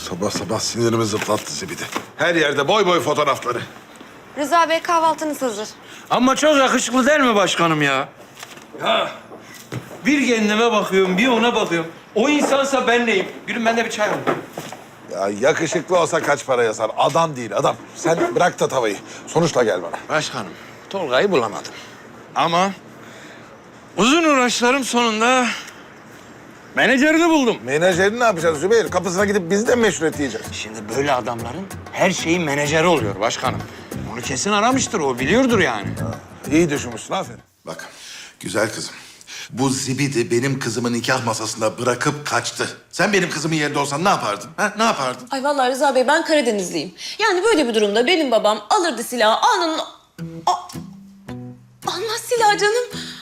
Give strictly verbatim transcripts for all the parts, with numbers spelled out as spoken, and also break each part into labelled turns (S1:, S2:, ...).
S1: Sabah sabah sinirimi zıplattı zibidi. Her yerde boy boy fotoğrafları.
S2: Rıza Bey kahvaltınız hazır.
S3: Ama çok yakışıklı değil mi başkanım ya? Ya bir kendime bakıyorum, bir ona bakıyorum. O insansa ben neyim? Gülüm ben de bir çay alayım.
S1: Ya yakışıklı olsa kaç para yazar? Adam değil adam. Sen bırak da tavayı. Sonuçla gel bana.
S3: Başkanım, Tolga'yı bulamadım. Ama uzun uğraşlarım sonunda menajerini buldum.
S1: Menajerini ne yapacağız Zübeyir? Kapısına gidip biz de mi meşruiyet diyeceğiz?
S3: Şimdi böyle adamların her şeyin menajeri oluyor başkanım. Onu kesin aramıştır, o biliyordur yani.
S1: İyi düşünmüşsün, aferin.
S4: Bak, güzel kızım. Bu zibidi benim kızımı nikah masasında bırakıp kaçtı. Sen benim kızımın yerinde olsan ne yapardın? Ha? Ne yapardın?
S5: Ay vallahi Rıza Bey ben Karadenizliyim. Yani böyle bir durumda benim babam alırdı silahı alnının... A- Almaz silahı canım.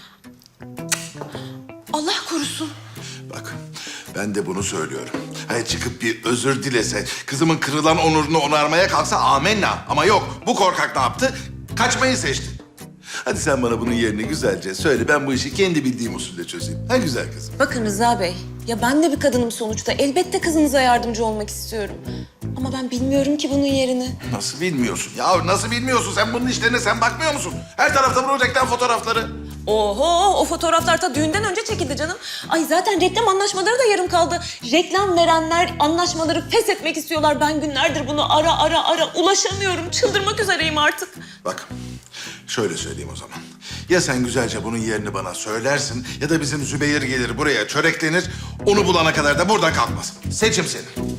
S5: Allah korusun.
S4: Bak, ben de bunu söylüyorum. Hani çıkıp bir özür dilese, kızımın kırılan onurunu onarmaya kalksa amenna. Ama yok, bu korkak ne yaptı? Kaçmayı seçti. Hadi sen bana bunun yerini güzelce söyle. Ben bu işi kendi bildiğim usulle çözeyim. Ha güzel kızım.
S5: Bakın Rıza Bey, ya ben de bir kadınım sonuçta. Elbette kızınıza yardımcı olmak istiyorum. Ama ben bilmiyorum ki bunun yerini.
S4: Nasıl bilmiyorsun? Ya nasıl bilmiyorsun? Sen bunun işlerine sen bakmıyor musun? Her tarafta bu reklam fotoğrafları.
S5: Oho, o fotoğraflar ta düğünden önce çekildi canım. Ay zaten reklam anlaşmaları da yarım kaldı. Reklam verenler anlaşmaları feshetmek istiyorlar. Ben günlerdir bunu ara ara ara ulaşamıyorum. Çıldırmak üzereyim artık.
S4: Bak, şöyle söyleyeyim o zaman. Ya sen güzelce bunun yerini bana söylersin ya da bizim Zübeyir gelir buraya çöreklenir. Onu bulana kadar da buradan kalkmaz. Seçim senin.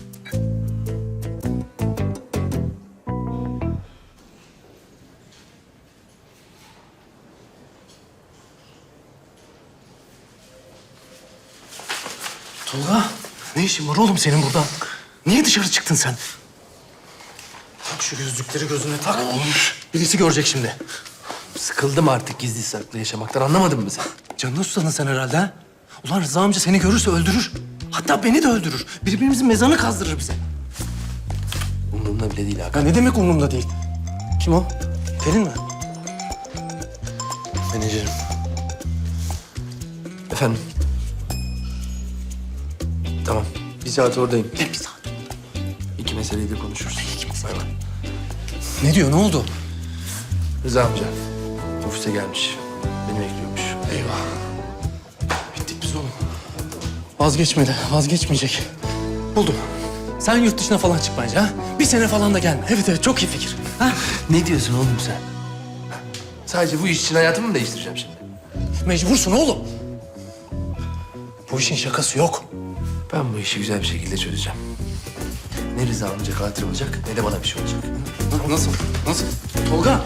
S6: Tolga, ne işin var oğlum senin burada? Niye dışarı çıktın sen? Tak şu gözlükleri gözüne tak. Birisi görecek şimdi. Sıkıldım artık gizli saklı yaşamaktan, anlamadın mı sen? Canını susadın sen herhalde ha? Ulan Rıza amca seni görürse öldürür. Hatta beni de öldürür. Birbirimizin mezarını kazdırır bize. Umurumda bile değil Hakan. Ya ne demek umurumda değil? Kim o? Pelin mi? Menajerim. Efendim? Tamam. Bir saat oradayım. Ne bir saat? İki meseleyi de konuşuruz. İki mesele. Bay bay. Ne diyor? Ne oldu? Rıza amca ofise gelmiş. Beni bekliyormuş. Eyvah. Bittik biz oğlum. Vazgeçmedi. Vazgeçmeyecek. Buldum. Sen yurt dışına falan çık bence ha. Bir sene falan da gelme. Evet evet çok iyi fikir. Ha? Ne diyorsun oğlum sen? Sadece bu iş için hayatımı mı değiştireceğim şimdi? Mecbursun oğlum. Bu işin şakası yok. Ben bu işi güzel bir şekilde çözeceğim. Ne Rıza amca katil olacak ne de bana bir şey olacak. Nasıl? Nasıl? Tolga.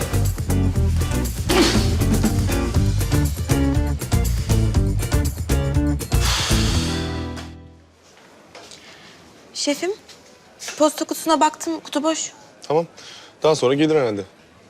S2: Şefim, posta kutusuna baktım, kutu boş.
S7: Tamam. Daha sonra gelir herhalde.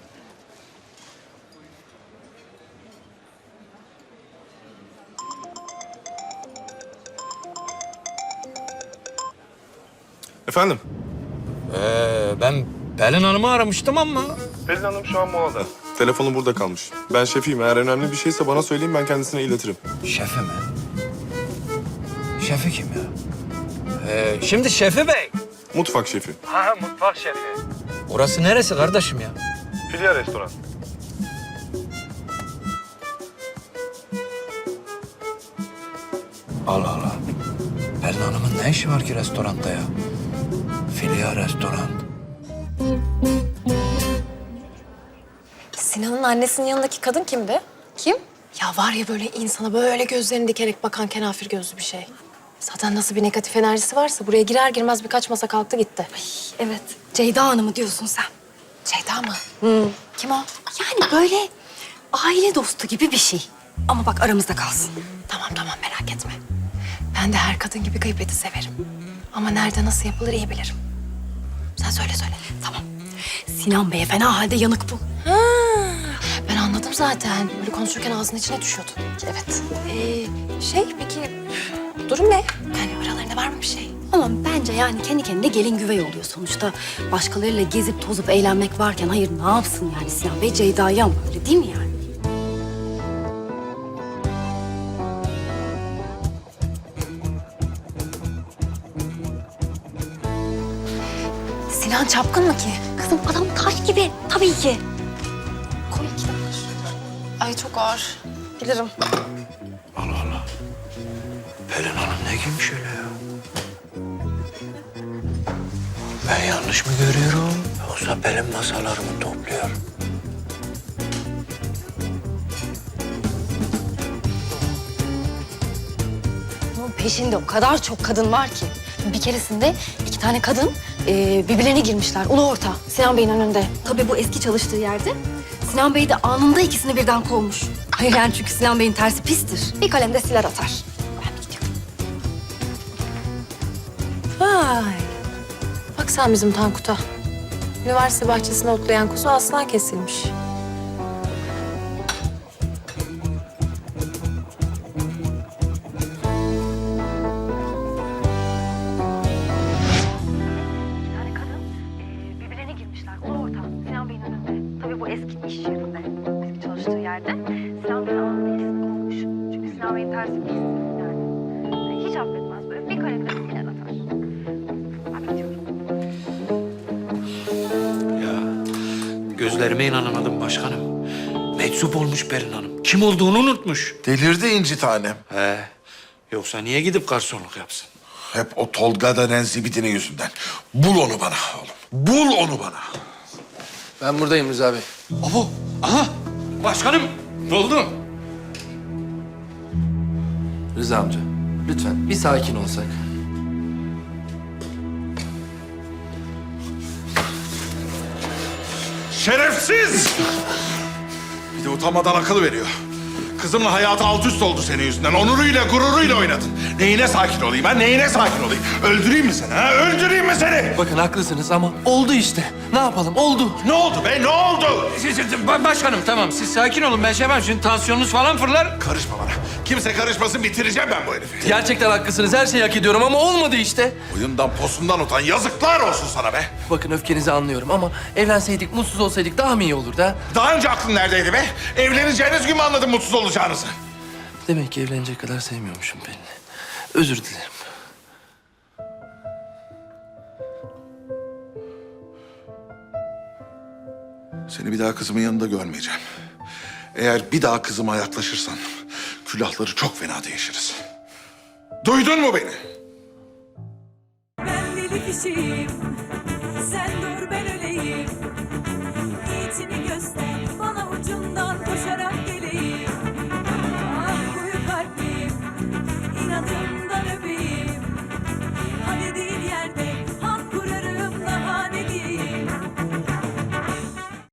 S7: Efendim?
S3: Ee, ben Pelin Hanım'ı aramıştım ama...
S7: Pelin Hanım şu an molada. Telefonu burada kalmış. Ben şefiyim. Eğer önemli bir şeyse bana söyleyin, ben kendisine iletirim.
S3: Şefi mi? Şefi kim ya? Ee, şimdi Şefi Bey.
S7: Mutfak şefi.
S3: Ha, mutfak şefi. Orası neresi kardeşim ya?
S7: Filya restoran.
S3: Allah Allah. Pelin Hanım'ın ne işi var ki restoranda ya? Filya restoran.
S8: Sinan'ın annesinin yanındaki kadın kimdi?
S2: Kim?
S8: Ya var ya böyle insana böyle gözlerini dikerek bakan kenafir gözlü bir şey. Zaten nasıl bir negatif enerjisi varsa buraya girer girmez birkaç masa kalktı gitti.
S2: Evet, Ceyda Hanım'ı diyorsun sen.
S8: Ceyda mı? Hı. Kim o?
S2: Yani böyle aile dostu gibi bir şey. Ama bak aramızda kalsın.
S8: Tamam tamam merak etme. Ben de her kadın gibi gıybeti severim. Ama nerede nasıl yapılır iyi bilirim. Sen söyle söyle.
S2: Tamam. Sinan Bey'e fena halde yanık bu.
S8: Ha, ben anladım zaten. Böyle konuşurken ağzının içine düşüyordu.
S2: Evet.
S8: Ee, şey peki durum ne? Yani aralarında var mı bir şey?
S2: Ama bence yani kendi kendine gelin güvey oluyor sonuçta. Başkalarıyla gezip tozup eğlenmek varken hayır ne yapsın yani Sinan Bey Ceyda'yı ama öyle değil mi yani?
S8: Sinan çapkın mı ki?
S2: Kızım adam taş gibi. Tabii ki. Koy iki dakika şuraya.
S8: Ay çok ağır. Bilirim.
S3: Allah Allah. Pelin Hanım ne giymiş öyle ya? Ben yanlış mı görüyorum? Yoksa Pelin masalarımı topluyor.
S2: Bunun peşinde o kadar çok kadın var ki. Bir keresinde iki tane kadın e, birbirlerine girmişler. Ulu orta Sinan Bey'in önünde. Tabii bu eski çalıştığı yerde. Sinan Bey de anında ikisini birden kovmuş. Hayır yani çünkü Sinan Bey'in tersi pistir. Bir kalemde siler atar. Ben bir gidiyorum.
S8: Vay. Bak sen bizim Tankut'a. Üniversite bahçesine otlayan kuzu aslan kesilmiş.
S2: tane kadın e, birbirlerine girmişler. Ulu orta Sinan Bey'in önünde. Tabii bu eski iş yerinde. Eski çalıştığı yerde. Sinan Bey'in anında ikisini kovmuş. Çünkü Sinan Bey'in tersi pistir yani. E, hiç affetmez böyle. Bir kalemde siler atar. Ben gidiyorum.
S3: Ya gözlerime inanamadım başkanım. Meczup olmuş Pelin Hanım. Kim olduğunu unutmuş.
S4: Delirdi inci tanem.
S3: He. Yoksa niye gidip garsonluk yapsın?
S4: Hep o Tolga denen zibidinin yüzünden. Bul onu bana oğlum. Bul onu bana.
S6: Ben buradayım Rıza Bey.
S3: Abo, aha. Başkanım, ne oldu?
S6: Rıza amca, lütfen bir sakin olsak.
S4: Şerefsiz! Bir de utanmadan akıl veriyor. Kızımın hayatı alt üst oldu senin yüzünden. Onuruyla, gururuyla oynadın. Neyine sakin olayım ha? Neyine sakin olayım? Öldüreyim mi seni ha? Öldüreyim mi seni?
S6: Bakın haklısınız ama oldu işte. Ne yapalım? Oldu.
S4: Ne oldu be? Ne oldu?
S3: Siz- siz- ba- Başkanım tamam, siz sakin olun. Ben şey yapmam, şimdi tansiyonunuz falan fırlar.
S4: Karışma bana. Kimse karışmasın, bitireceğim ben bu herifi.
S6: Gerçekten haklısınız. Her şeyi hak ediyorum ama olmadı işte.
S4: Oyundan posundan utan. Yazıklar olsun sana be.
S6: Bakın öfkenizi anlıyorum ama evlenseydik, mutsuz olsaydık daha mı iyi olurdu ha?
S4: Daha önce aklın neredeydi be? Evleneceğiniz gün mü anladın mutsuz olacağınızı?
S6: Demek ki evlenecek kadar sevmiyormuşum Pelin'i. Özür dilerim.
S4: Seni bir daha kızımın yanında görmeyeceğim. Eğer bir daha kızıma yaklaşırsan külahları çok fena değişiriz. Duydun mu beni?
S9: Ben deli kişiyim, sen